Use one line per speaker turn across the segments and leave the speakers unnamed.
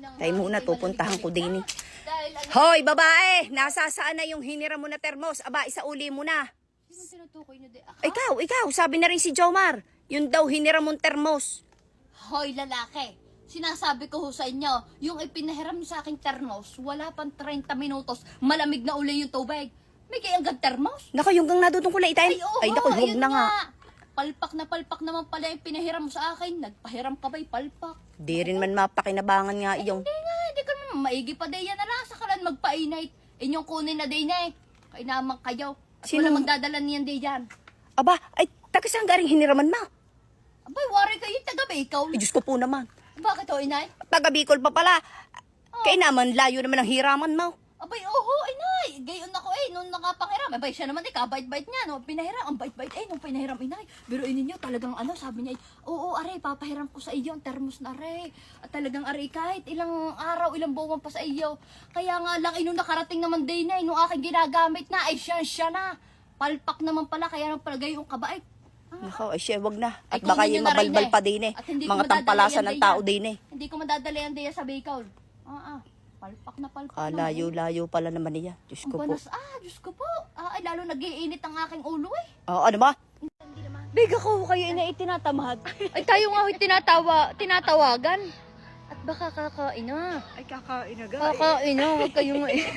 Tayo muna, pupuntahan ko din eh. Hoy, babae! Nasasaan na yung hinira mo na termos? Aba, isauli mo na.
Sino tinutukoy niyo di?
Ikaw, sabi na rin si Jomar. Yun daw hinira mong termos.
Hoy, lalaki. Sinasabi ko ho sa inyo, yung ipinahiram niyo sa aking termos, wala pang 30 minutos, malamig na uli yung tubig. May kayang termos?
Naka, yung gang nadutong ko na itain. Ay, naku, huwag
ayun
na nga.
Palpak na palpak naman pala yung pinahiram mo sa akin. Nagpahiram ka ba'y palpak?
Di rin man mapakinabangan nga iyong.
Hindi ka naman maigi pa day yan na lang. Sakalan magpa-inay. Inyong kunin na day na eh. Kaya naman kayo. At
Sino?
wala magdadala niyan day yan.
Aba, ay, taga saan garing hiniraman mo?
Abay, wari kayo taga Bicol.
Ay, Diyos ko po naman.
Bakit o inay?
Taga Bicol pa pala. Kaya naman, layo naman ang hiraman mo.
Abay, oho, inay. Gayon ako eh, nung nakapangiram. Abay, siya naman eh, kabait-bait niya. No? Pinahiram, ang bait-bait eh, nung pinahiram inay. Pero ninyo, talagang ano, sabi niya, oo, aray, papahiram ko sa iyo, ang termos na aray. At talagang aray, kahit ilang araw, ilang buwan pa sa iyo. Kaya nga lang, nung nakarating naman day na, nung aking ginagamit na, ay siya na. Palpak naman pala, kaya nang pala gayong kabait.
Nako, ay siya, wag na. At
Ay,
baka
kunin
yung
nyo na rin
mabalbal
eh.
pa din eh.
At hindi ko
Mga
madadala
tampalasan
yan
ng
din
tao
yan.
din eh.
Hindi ko madadala yan day sa Bicol. Palpak na palpak.
Layo-layo pala naman niya. Diyos ko po.
Banas, Diyos ko po. Ay, lalo nag-iinit ang aking ulo eh.
Ano ba?
Biga ko kayo ina itinatamad. Ay tayo nga ho'y tinatawagan. At baka kakain na.
Ay, kakain na
Kakain na, huwag kayo nga eh.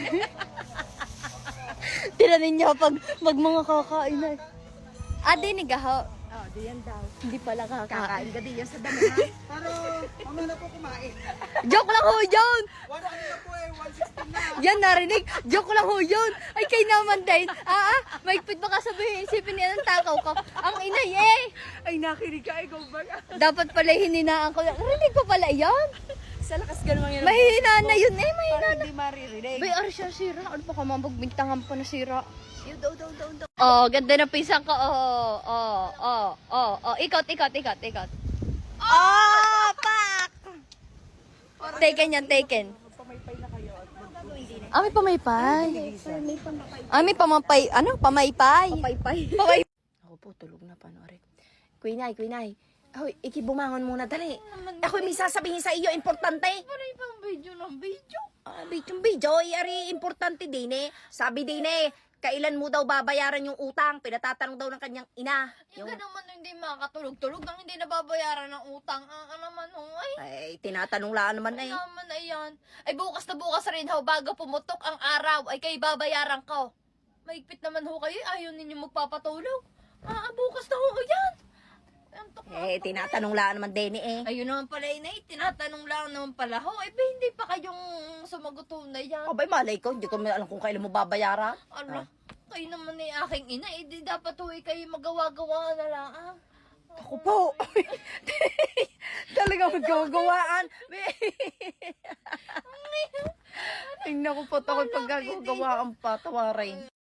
Tiranin niya pag mga kakain na. Dinig ho.
diyan daw.
Hindi pala kakain.
ka diyan sa dami ha? Pero, mamaya na po kumain.
Joke lang ho yun!
Ano na po eh, 116 na.
Yan narinig, joke lang ho yun. Ay kay naman din. Maigpit baka sabihin, isipin niya ng takaw ko. Ang inay eh.
Ay, nakinig ka, ikaw ba?
Dapat pala hininaan ko. Narinig ko pala yan.
Sa lakas ganun yan.
Mahina na yun eh, mahina
Para
na.
hindi maririnig.
Bay, ari siya sira. Ano pa ka magbintangan pa na sira?
Yun, daw.
Oh, ganda ng pisang ko. Ikot.
Oh, pak!
Taken yan, taken.
Pamaypay na kayo at magpunin din eh.
May pamaypay. May pamapay. Ano? Pamaypay.
Papaypay. Ako po, tulog na panoorin. Kuinay. Ahoy, ikibumangon muna, dali. Ako may sasabihin sa iyo, importante.
Ano yung video ng video?
Video, ari, importante din eh. Sabi din eh, kailan mo daw babayaran yung utang? Pinatatanong daw ng kanyang ina.
Yung naman hindi makakatulog-tulog nang hindi nababayaran ng utang. Naman
Ay, tinatanong lang naman eh.
naman ayan. Ay bukas na bukas rin ho, bago pumutok ang araw, ay kayo babayaran ko. Maigpit naman ho kayo, ayaw ninyo magpapatulog. Bukas na ho, ayan.
Tinatanong lang naman din eh.
Ayun naman pala inay, tinatanong lang naman pala ho. Hindi pa kayong sumagot ho na yan.
Abay, malay ko, hindi ko alam kung kailan mo babayaran.
Ala, kayo naman ay aking ina, di dapat ho kayo magawa-gawa na lang.
Ako po. Talagang magkawagawaan. Tingnan ko po ako pag gagawaan pa, tawarin.